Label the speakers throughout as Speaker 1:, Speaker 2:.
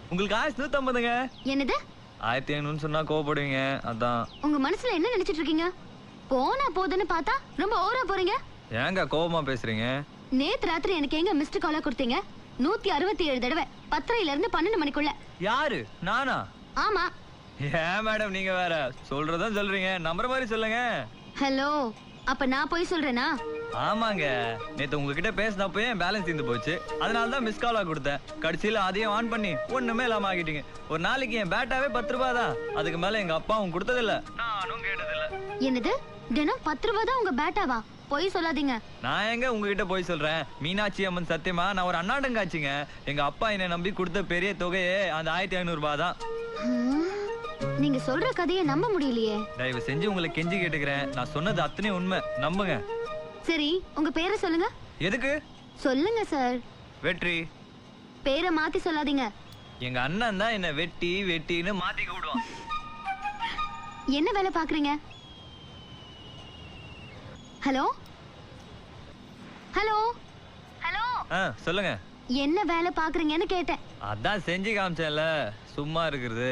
Speaker 1: உங்களுக்கு 1150ங்க.
Speaker 2: என்னது?
Speaker 1: 1500 சொன்னா கோவப்படுவீங்க, அதான்.
Speaker 2: உங்க மனசுல என்ன நினைச்சிட்டு இருக்கீங்க? போனா போதுன்னு பார்த்தா ரொம்ப ஓவரா போறீங்க.
Speaker 1: ஏங்க கோவமா பேசுறீங்க?
Speaker 2: நேத்து ராத்திரி எனக்கு எங்க மிஸ்டு காலா கொடுத்தீங்க? 167 தடவை 10:30ல இருந்து 12 மணிக்குள்ள.
Speaker 1: யாரு? நானா?
Speaker 2: ஆமா.
Speaker 1: ஏன் மேடம் நீங்க வேற சொல்றதா சொல்றீங்க, நம்பர் மாதிரி சொல்லுங்க.
Speaker 2: ஹலோ, அப்ப நான் போய் சொல்றேனா?
Speaker 1: ஆமாங்க, நேத்து உங்ககிட்ட பேசினப்போ என் பேலன்ஸ் தீர்ந்து போச்சு, அதனால தான் மிஸ் காலா கொடுத்தேன். கடைசியில அதையும் ஆன் பண்ணி ஒண்ணுமே இல்லாம ஆகிட்டீங்க. ஒரு நாளைக்கு என் பேட்டாவே 10 ரூபாய் தான், அதுக்கு மேல எங்க அப்பாவும் கொடுத்ததில்ல, நானும் கேட்டதில்ல.
Speaker 2: என்னது? தினம் 10 ரூபாய் தான் உங்க பேட்டாவா? போய் சொல்லாதீங்க.
Speaker 1: நான் எங்க உங்ககிட்ட போய் சொல்றேன்? மீனாட்சி அம்மன் சத்தியமா நான் ஒரு அண்ணாடங்காச்சுங்க. எங்க அப்பா என்னை நம்பி கொடுத்த பெரிய தொகையே அந்த 1500 ரூபாய் தான்.
Speaker 2: நீங்க சொல்ற கதையை நம்ப முடியலையே.
Speaker 1: தயவு செஞ்சு உங்களை கெஞ்சி கேட்டுக்கிறேன், நான் சொன்னது அத்தனையும் உண்மை, நம்புங்க.
Speaker 2: சரி, உங்க பேரை சொல்லுங்க.
Speaker 1: எதுக்கு?
Speaker 2: சொல்லுங்க சார்.
Speaker 1: வெற்றி.
Speaker 2: பேரை மாத்தி சொல்லாதீங்க.
Speaker 1: எங்க அண்ணன் தான் என்ன வெட்டி வெட்டின்னு மாத்தி கூடுவான்.
Speaker 2: என்ன வேலை பாக்குறீங்க? ஹலோ ஹலோ ஹலோ,
Speaker 1: சொல்லுங்க.
Speaker 2: என்ன வேலை பாக்குறீங்கன்னு கேட்டேன்.
Speaker 1: அதான் செஞ்சு காமிச்சேன்ல, சும்மா இருக்கிறது.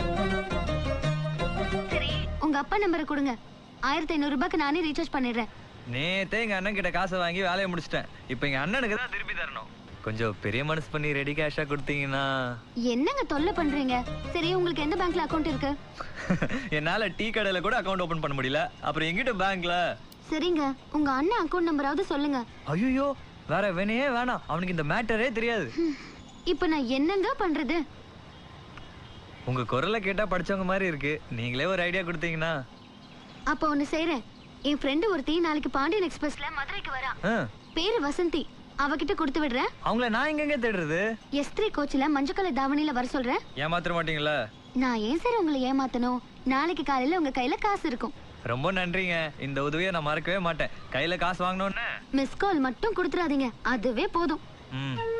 Speaker 2: சரி, உங்க அப்பா நம்பரை கொடுங்க. 1500 ரூபாய்க்கு நானே ரீசார்ஜ் பண்ணிடுறேன்.
Speaker 1: நேத்தே எங்க அண்ணன் கிட்ட காசை வாங்கி வேலையை முடிச்சிட்டேன். இப்போ எங்க அண்ணனுக்கு தான் திருப்பி தரணும். கொஞ்சம் பெரிய மனசு பண்ணி ரெடி கேஷா கொடுத்தீங்கன்னா.
Speaker 2: என்னங்க தொல்லை பண்றீங்க? சரி, உங்களுக்கு எந்த பேங்க்ல அக்கவுண்ட் இருக்கு?
Speaker 1: என்னால டீ கடையில கூட அக்கவுண்ட் ஓபன் பண்ண முடியல, அப்புறம் எங்கிட்ட பேங்க்ல?
Speaker 2: சரிங்க, உங்க அண்ணன் அக்கவுண்ட் நம்பராவது சொல்லுங்க.
Speaker 1: ஐயோ, வேற வேணையே வேணாம், அவனுக்கு இந்த மேட்டரே தெரியாது.
Speaker 2: இப்போ நான் என்னங்க பண்றது?
Speaker 1: உங்க குரலை கேட்டா படிச்சவங்க மாதிரி இருக்கு, நீங்களே ஒரு ஐடியா கொடுத்தீங்கன்னா. அப்ப
Speaker 2: ஒண்ணு செய்யறேன். என் ஃப்ரெண்டு ஒருத்தி நாளைக்கு பாண்டியன் எக்ஸ்பிரஸ்ல மதுரைக்கு வரா. பேரு வசந்தி. அவகிட்ட கொடுத்து விடுறேன்.
Speaker 1: அவங்கள நான் எங்க தேடுறது?
Speaker 2: S3 கோச்ல மஞ்சள் கலர் தாவணியில வர சொல்றேன்.
Speaker 1: ஏமாத்த மாட்டீங்களா?
Speaker 2: நான் ஏன் சார் உங்களை ஏமாத்தணும்? நாளைக்கு காலையில உங்க கையில காசு இருக்கும்.
Speaker 1: ரொம்ப நன்றிங்க, இந்த உதவியை நான் மறக்கவே மாட்டேன். கையில காசு வாங்கணும்னு
Speaker 2: மிஸ் கால் மட்டும் கொடுத்துறாதீங்க, அதுவே போதும்.